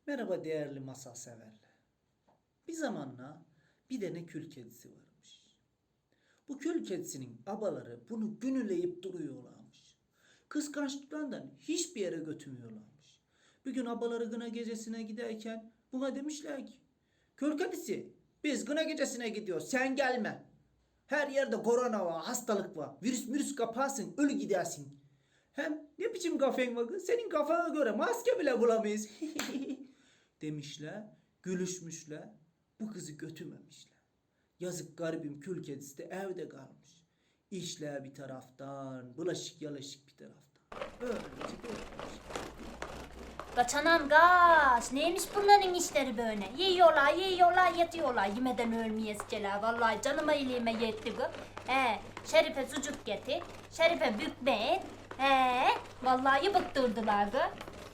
Merhaba değerli masal severler. Bir zamanla bir tane kül kedisi varmış. Bu kül kedisinin abaları bunu günüleyip duruyorlarmış. Kıskançlıklarından hiçbir yere götürmüyorlarmış. Bir gün abaları gına gecesine giderken buna demişler ki, kül kedisi biz gına gecesine gidiyoruz, sen gelme. Her yerde korona var, hastalık var. Virüs kaparsın, ölü gidersin. Hem ne biçim kafen var kız? Senin kafana göre maske bile bulamayız. Demişler, gülüşmüşler. Bu kızı götürmemişler. Yazık garibim kül kedisi de evde kalmış. İşler bir taraftan, bulaşık yalaşık bir taraftan. Öylece bırakmış. Kaç anam kaç. Neymiş bunların işleri böyle? Yiyorlar, yatıyorlar. Yemeden ölmeyesceler. Vallahi canıma iliğime yetti bu. Şerife sucuk getir. Şerife bükme et. Vallahi bıktırdılar bu.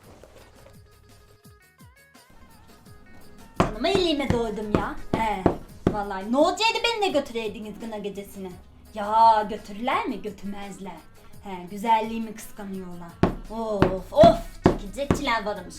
Canıma iliğime doydum ya. Vallahi ne olacaktı beni de götüreydiniz gına gecesine. Ya götürürler mi? Götürmezler. Güzelliğimi kıskanıyorlar. Of. Çekilecekçiler varmış.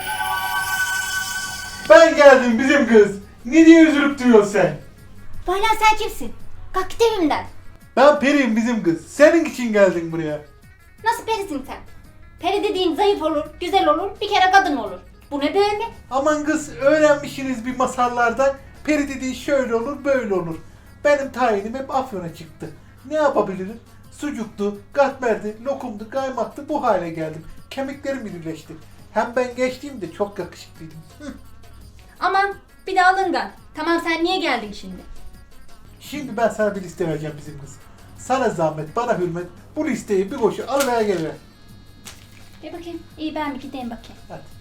Ben geldim bizim kız. Ne diye üzülüp duruyorsun sen? Valla sen kimsin? Kalk git evimden. Ben Peri'yim bizim kız. Senin için geldim buraya. Nasıl perisin sen? Peri dediğin zayıf olur, güzel olur, bir kere kadın olur. Bu ne böyle? Aman kız öğrenmişsiniz bir masallardan. Peri dediği şöyle olur böyle olur. Benim tayinim hep Afyon'a çıktı. Ne yapabilirim? Sucuktu, katmerdi, lokumdu, kaymaktı bu hale geldim. Kemiklerim birleşti. Hem ben gençliğimde çok yakışıklıydım. Aman bir de alıngan. Tamam sen niye geldin şimdi? Şimdi ben sana bir liste vereceğim bizim kız. Sana zahmet, bana hürmet. Bu listeyi bir koşu almaya geliver. Bir bakayım. İyi ben bir gideyim bakayım. Hadi.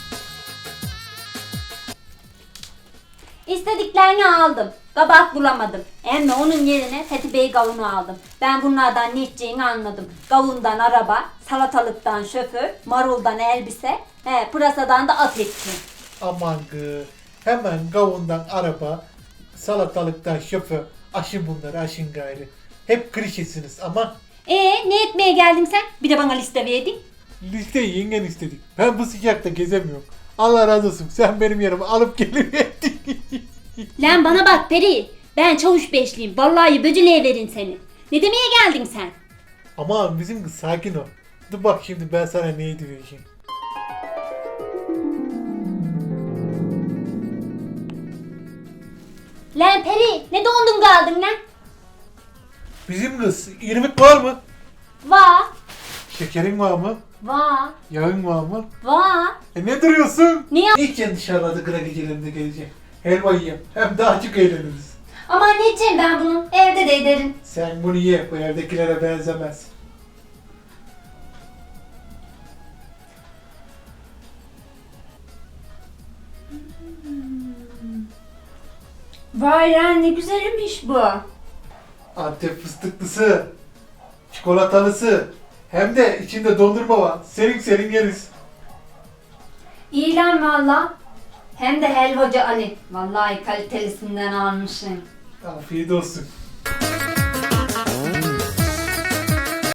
İstediklerini aldım. Kabak bulamadım. Ama onun yerine Fethi Bey kavunu aldım. Ben bunlardan ne içeceğini anladım. Kavundan araba, salatalıktan şoför, maruldan elbise, pırasadan da at eti. Aman kız. Hemen kavundan araba, salatalıktan şoför. Aşın bunları aşın gayrı. Hep klişesiniz ama Ne etmeye geldin sen? Bir de bana liste verdin. listeyi yengen istedik. Ben bu sıcakta gezemiyorum. Allah razı olsun. Sen benim yerime alıp geliverdin. Lan bana bak Peri. Ben çavuş beşliyim. Vallahi böcüleye verin seni. Ne demeye geldin sen? Ama bizim kız sakin ol. Dur bak şimdi ben sana neydi vereceğim. Lan Peri ne dondun kaldın lan? Bizim kız irmik var mı? Va. Şekerin var mı? Va. Yağın var mı? Va. Ne duruyorsun? Niye? İlk dışarıda kıra gecelerinde geleceğim. Helva yiyeyim. Hem daha açık eğleniriz. Aman ne edeceğim ben bunu? Evde de ederim. Sen bunu ye. Bu evdekilere benzemez. Vay lan ne güzelmiş bu. Antep fıstıklısı. Çikolatalısı. Hem de içinde dondurma var. Serin serin yeriz. İyi lan valla. Hem de helvacı Ali. Vallahi kalitelisinden almışım. Afiyet olsun.